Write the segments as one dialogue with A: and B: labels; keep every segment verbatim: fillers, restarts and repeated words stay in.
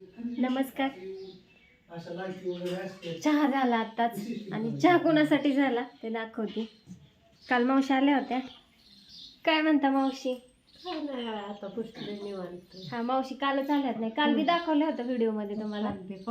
A: नमस्कार. चहा झाला आताच आणि चहा कोणासाठी झाला ते दाखवते. काल मावशी आल्या होत्या. काय म्हणता मावशी?
B: आता पुस्तक निवांत.
A: हा मावशी कालच आल्यात नाही, काल मी दाखवलं होतं व्हिडिओ मध्ये तुम्हाला.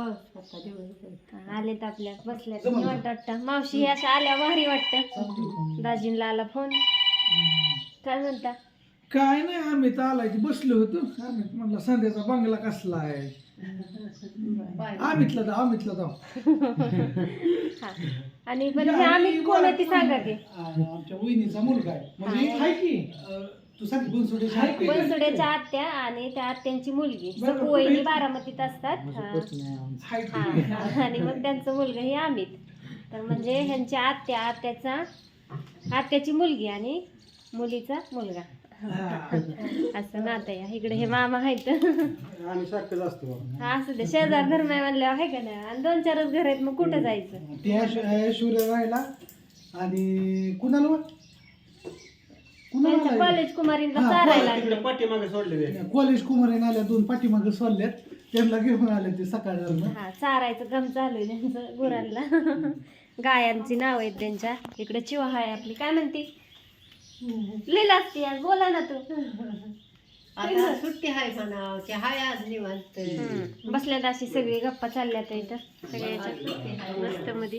A: आलेत आपल्या बसल्यात निवांत वाटतं. मावशी हे अशा आल्या भारी वाटतं. दाजींला आला फोन. काय म्हणता?
C: काय नाही, आम्ही तर आलाय की बसलो होतो. आम्ही म्हणलं संध्याचा बंगला कसला आहे, आम्हीतला जाऊ आम्हीतला जाऊ
A: हा. आणि पण हे आम्ही कोण आहे ती सांगा की.
C: आमच्या वहिनीचा मुलगा आहे, म्हणजे आहे की अं, तू सांग बनसोडेच्या आहे की?
A: बनसोड्याच्या आत्या आणि त्या आत्यांची मुलगी सकू वहिनी बारामतीत असतात.
C: आहे की?
A: हा. आणि मग त्यांचं मुलगा हे अमित. तर म्हणजे ह्यांच्या आत्या आत्याचा आत्याची मुलगी आणि मुलीचा मुलगा असं नातं आहे. इकडे हे मामा आहेत.
C: आम्ही सारखंच असतो.
A: हा असू दे, शेजार धर्म आहे म्हणल्यावर आहे का नाही. आणि दोन चारच घर आहेत, मग कुठं जायचं.
C: ते ऐश्वर्या राहिला आणि कुणाला
A: त्यांच्या कॉलेज कुमारींना चारायला आणलं.
D: पाठीमागे सोडले
C: कॉलेज कुमारीन आल्या दोन पाठीमागे सोडल्यात, त्यांना घेऊन आले ते सकाळ.
A: हा चारायचं काम चालू आहे त्यांचं गुरांना. गायांची नाव आहेत त्यांच्या. इकडे चिवा आहे आपली. काय म्हणते? लिहिला असते आज, बोला ना तू.
B: आता सुट्टी हाय म्हणा की हाय आज निवांत.
A: हम्म. बसल्यात अशी सगळी गप्पा चालल्यात इथं सगळ्याच्या मस्त मध्ये.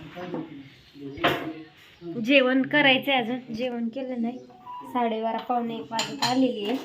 A: जेवण करायचंय, अजून जेवण केलं नाही. साडेबारा पावणे एक वाजत आलेली आहे.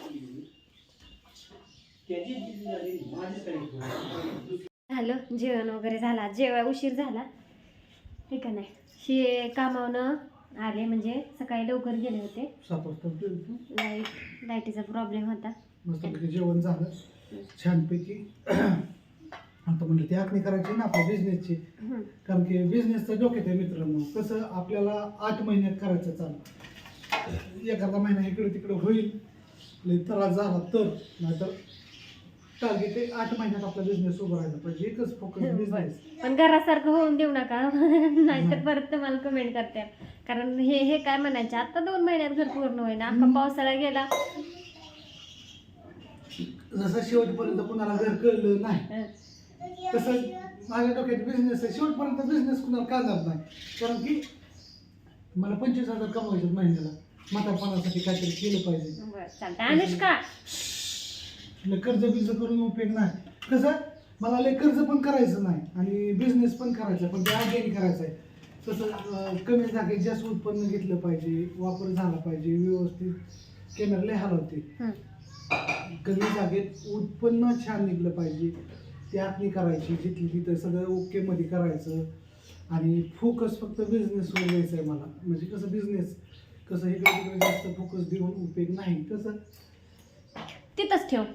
A: झालं जेवण वगैरे झाला. जेव्हा उशीर झाला ठीक आहे नाही. हे कामावनं आले, म्हणजे सकाळी लवकर गेले होते.
C: सात वाजता
A: लाईट लाईटीचा प्रॉब्लेम होता.
C: मस्तपैकी जेवण झालं छानपैकी. आता म्हणलं ती आखणी करायची ना आपल्या बिझनेसची,
A: हम्म.
C: कारण की बिझनेसचं डोक्यात आहे मित्रांनो. कसं आपल्याला आठ महिन्यात करायचं चालू, एखादा महिना इकडे तिकडे होईल लई त्रास झाला तर, नाहीतर टार्गेट आहे आठ महिन्यात आपला बिझनेस उभा राहिला पाहिजे. एकच फोकस बिझनेस.
A: पण घरासारखं होऊन देऊ नका, नाहीतर परत तुम्हाला कमेंट करते. कारण हे हे काय म्हणायचे, आता दोन महिन्यात घर पूर्ण होईना, अख्खा पावसाळा गेला.
C: जसं शेवटपर्यंत कुणाला घर कळलं नाही, तसं माझ्या डोक्यात बिझनेस आहे. शेवटपर्यंत बिझनेस कुणाला कळणार नाही, कारण की मला पंचवीस हजार कमवायचे महिन्याला. म्हातारपणासाठी काहीतरी केलं पाहिजे.
A: बरं चालतं. अनुष्का
C: लय कर्ज बिर्ज करून उपयोग नाही. कसं मला लय कर्ज पण करायचं नाही आणि बिझनेस पण करायचा, पण ते अगेन करायचं आहे. तसं अं, कमी जागेत जास्त उत्पन्न घेतलं पाहिजे, वापर झाला पाहिजे व्यवस्थित. कॅमेरा लय हलवते. कमी जागेत उत्पन्न छान निघलं पाहिजे, ती आखणी करायची जिथली तिथं सगळं ओके मध्ये करायचं. आणि फोकस फक्त बिझनेसवर द्यायचं आहे मला. म्हणजे कसं बिझनेस कसं इकडे तिकडे जास्त फोकस देऊन उपयोग नाही. कसं
A: तिथंच ठेव.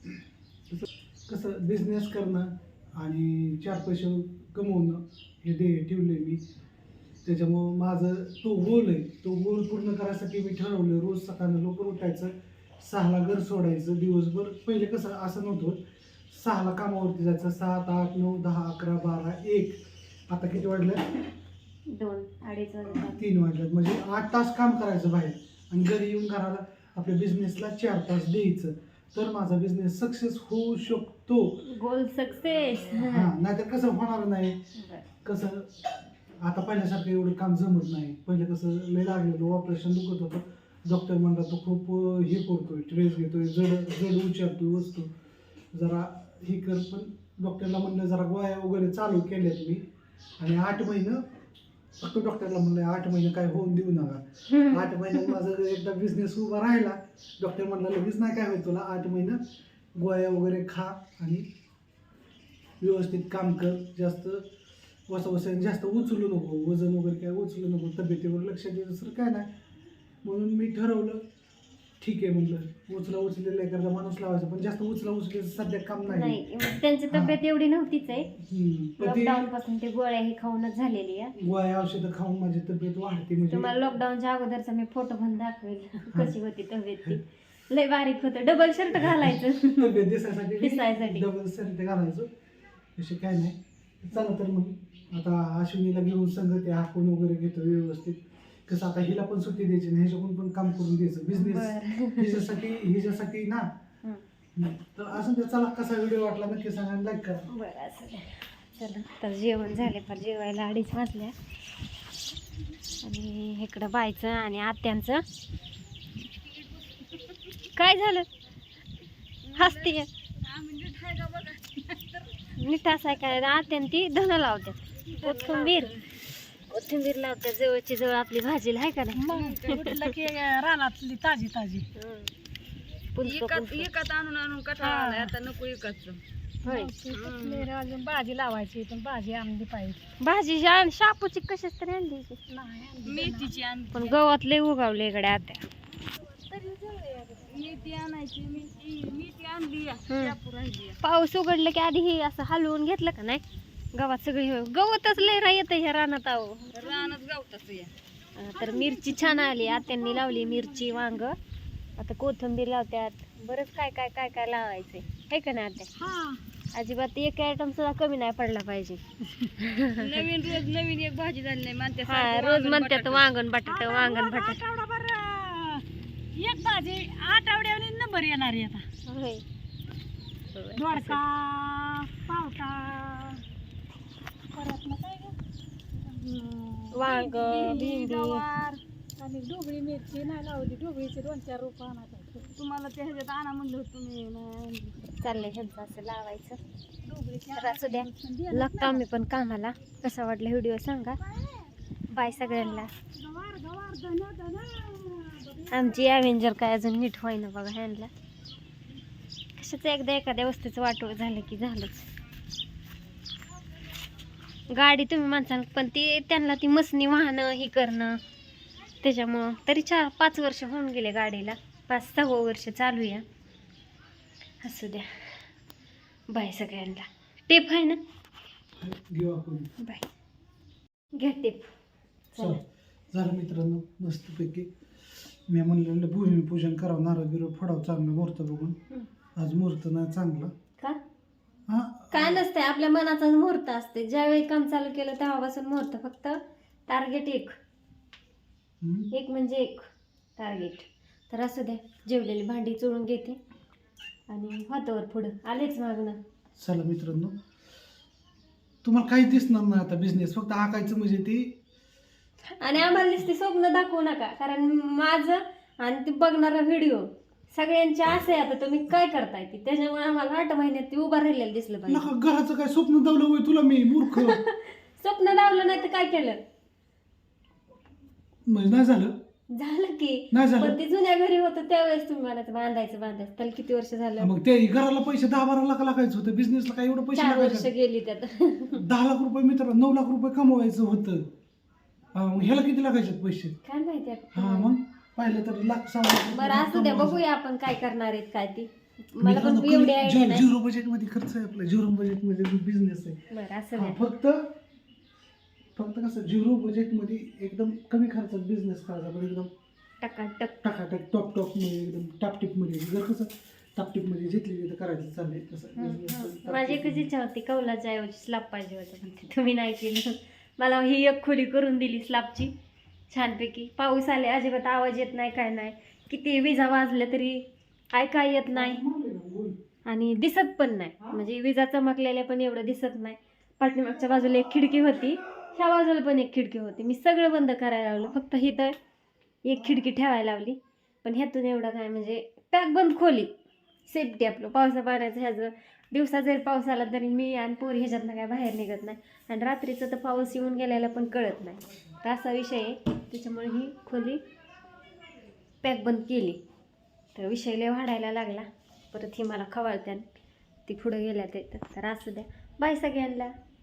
C: कसं बिझनेस करणं आणि चार पैसे कमवणं हे ध्येय ठेवले मी. त्याच्यामुळं माझं तो गोल आहे. तो गोल पूर्ण करायसाठी मी ठरवलं रोज सकाळनं लवकर उठायचं, सहाला घर सोडायचं दिवसभर. पहिले कसं असं नव्हतं, सहाला कामावरती जायचं, सात आठ नऊ दहा अकरा बारा एक. आता किती वाजलं?
A: दोन अडीच वाजता.
C: तीन वाजल्यात. म्हणजे आठ तास काम करायचं बाहेर आणि घरी येऊन घराला आपल्या बिझनेसला चार तास द्यायचं, तर माझा बिझनेस सक्सेस होऊ शकतो.
A: Goal success.
C: हा, नाहीतर कसं होणार नाही. कसं आता पहिल्यासारखं एवढं काम जमत नाही. पहिले कसं लय लागलेलं, ऑपरेशन दुखत होतं. डॉक्टर म्हणला तो खूप हे करतोय, ट्रेस घेतोय, जड जड उचलतोय वस्तू, जरा हे कर. पण डॉक्टरला म्हणलं जरा गोळ्या वगैरे चालू केल्यात मी. आणि आठ महिनं फक्त डॉक्टरला म्हणलं आठ महिने काय होऊन देऊ नका. आठ महिन्यात माझा एकदा बिझनेस उभा राहिला. डॉक्टर म्हणला लगेच नाही काय होईल तुला, आठ महिनं गोळ्या वगैरे खा आणि व्यवस्थित काम कर. जास्त वसा वसा जास्त उचलू नको, वजन वगैरे काय उचलू नको, तब्येतीवर लक्ष दे, दुसरं काय नाही. म्हणून मी ठरवलं ठीक आहे म्हणलं उचला उचलेलं एखादा माणूस लावायचा, पण जास्त उचला उचलेलं सध्या काम नाही.
A: नाही त्यांची तब्येत एवढी नव्हतीच आहे.
C: पण ते
A: लॉकडाऊन पासून ते गोळ्या ही खाऊनच झालेली आहे.
C: गोळ्या औषधं खाऊन माझी तब्येत वाढते. म्हणजे
A: तुम्हाला लॉकडाऊनच्या अगोदरचा मी फोटो पण दाखवेल कशी होती तब्येत ती. लय बारीक होतं. डबल शर्ट घालायचं
C: तब्येत दिसायसाठी
A: दिसायसाठी.
C: डबल शर्ट घालायचो. असे काय नाही. चला तर मग आता अश्विनीला घेऊन संग ते हाकून वगैरे घेतो व्यवस्थित. कसं आता हिला पण सुट्टी द्यायची नाही, ह्याच्याकडून पण काम करून द्यायचं. बिझनेस हिच्यासाठी हिच्यासाठी ना नाही. तर असं ते चला कसा व्हिडिओ वाटला नक्की सांगा, लाईक करा.
A: बरं असं द्या. चला तर जेवण झाले फार जेवायला अडीच वाजल्या आणि इकडं बायचं आणि आत्यांचं काय झालं हसते नीट असं आहे काय आत्यान ती धन लावतात कोथिंबीर कोथिंबीर लावतात जवळची जवळ आपली भाजीला आहे का नाही
B: रानातली ताजी ताजी
A: पुंजकं-
B: आणून आणून कटाळा आता नको विकत
A: होय
B: अजून भाजी लावायची पण भाजी आणली पाहिजे.
A: भाजी आणि शापूची कशाच तरी आणली होती.
B: मेथीची
A: पण गवत लय उगावले इकडे आता
B: मेथी आणायची मेथी मेथी आणली राहिली.
A: पाऊस उघडलं की आधी हे असं हलवून घेतलं का नाही गवत सगळे हे- गवतच लय रा येतं ह्या रानात आहो.
B: रानात गावताच या
A: अं, तर मिरची छान आली आत्यांनी लावली मिरची वांग आता कोथिंबीर लावत्यात बरंच काय काय काय काय लावायचंय आहे का नाही आत्या
B: हा
A: अजिबात एक आयटम सुद्धा कमी नाही पडला पाहिजे.
B: नवीन रोज नवीन एक भाजी झाली नाही म्हणते
A: हा रोज म्हणतात वांगण बटाटा वांगण बटाटा
B: आठवडाभर एक भाजी आठवड्याने नंबर येणार आहे आता.
A: होय
B: दोडका पावटा परत मग काय गं?
A: वांग
B: भेंडी,
A: भेंडी
B: गवार आणि ढोबळी मिरची नाही लावली ढोबळीचे दोन चार रोप आणायचे तुम्हाला ते ह्याच्यात आणा म्हणलं होतं तुम्ही नाही आणली.
A: चाललंय ह्यांचं असं लावायचं
B: ढोबळीची
A: तर असू द्या लागतो आम्ही पण कामाला. कसा वाटला व्हिडिओ सांगा. बाय सगळ्यांना.
B: गवार गवार धना धना
A: आमची ॲव्हेंजर काय अजून नीट होईना बघा ह्यांना कशाचं एकदा एखाद्या वस्तूचं वाटोळ झालं की झालंच. गाडी तुम्ही माणसानं पण ती त्यांना ती मसनी वाहनं ही करणं त्याच्यामुळं तरी चार पाच वर्ष होऊन गेले गाडीला पाच सहा वर्ष चालू या. असू द्या बाय सगळ्यांना. टेप आहे ना
C: घेऊ आपण.
A: बाय घ्या टेप.
C: चला झालं मित्रांनो मस्तपैकी मी म्हणलेलं भूमिपूजन करावं नारळ बिरळ फोडावं चांगलं मुहूर्त बघून. आज मुहूर्त नाही चांगला
A: का
C: हा
A: काय नसतंय आपल्या मनाचा मुहूर्त असते ज्यावेळी काम चालू केलं तेव्हापासून मुहूर्त फक्त टार्गेट एक
C: हम्म.
A: एक म्हणजे एक टार्गेट. तर असू द्या जेवलेली भांडी चोळून घेते आणि हातावर पुढं आलेच मागणं.
C: चला मित्रांनो तुम्हाला काही दिसणार नाही आता बिझनेस फक्त आकायचं म्हणजे ती
A: आणि आम्हाला नुसती स्वप्न दाखवू नका कारण माझं आणि ते बघणारा व्हिडिओ सगळ्यांची आस आहे. आता तुम्ही काय करताय ती त्याच्यामुळे आम्हाला आठ महिन्यात ती उभा राहिलेलं दिसलं पाहिजे.
C: नका घराचं काय स्वप्न दावलं होय तुला मी मूर्ख.
A: स्वप्न दावलं नाही तर काय केलं
C: म्हणजे नाही झालं
A: झालं की
C: नाही
A: पण
C: झालं
A: ते जुन्या घरी होतं त्यावेळेस तुम्ही म्हणायचं बांधायचं बांधायचं त्याला किती वर्ष झालं.
C: मग ते घराला पैसे दहा बारा लाख लागायचं होतं बिझनेसला काय एवढं पैसे
A: चार वर्ष
C: लागायचे
A: गेली त्यात.
C: दहा लाख रुपये मित्र नऊ लाख रुपये कमवायचं होतं. हा, मग ह्याला किती लागायचे पैसे.
A: काय माहिती आता.
C: हा मग पाहिलं तर लाख सहा लाख
A: बरं असू द्या बघूया आपण काय करणार आहेत काय ती मला
C: मित्रांनो,
A: पण एवढी आयडिया नाही.
C: झिरो बजेट मध्ये खर्च आहे आपला झिरो बजेट मध्ये बिझनेस आहे.
A: बरं असं
C: हा,
A: द्या
C: फक्त फक्त कसं झिरो बजेट मध्ये एकदम कमी खर्चात बिझनेस करायचा पण एकदम
A: टकाटक.
C: टाकाटक टॉप टॉप मध्ये एकदम टापटीप मध्ये जर कसं टापटीप मध्ये घेतली तर करायचं चाललंय तसं business
A: माझी एकच इच्छा होती कौलाच्या ऐवजी स्लॅब पाहिजे होतं पण ते तुम्ही नाही केलं. मला ही एक खोली करून दिली स्लॅबची छानपैकी. पाऊस आले अजिबात आवाज येत नाही काय नाही किती विजा वाजल्या तरी ऐकाय येत नाही आणि दिसत पण नाही म्हणजे विजा चमकलेल्या पण एवढं दिसत नाही. पाठीमागच्या बाजूला एक खिडकी होती ह्या बाजूला पण एक खिडकी होती मी सगळं बंद करायला लावलं फक्त ही तर एक खिडकी ठेवायला लावली पण ह्यातून एवढं काय म्हणजे पॅक बंद खोली सेफ्टी आपलं पावसा पाण्याचं ह्याचं दिवसा जरी पाऊस आला तरी मी आणि पोरी ह्याच्यातनं काय बाहेर निघत नाही आणि रात्रीचं तर पाऊस येऊन गेल्याला पण कळत नाही. तर असा विषय आहे त्याच्यामुळे ही खोली पॅक बंद केली. तर विषय लय वाढायला लागला परत ही मला खवळत्यान ती पुढं गेल्या ते तर असू द्या बाय सगळ्यांना.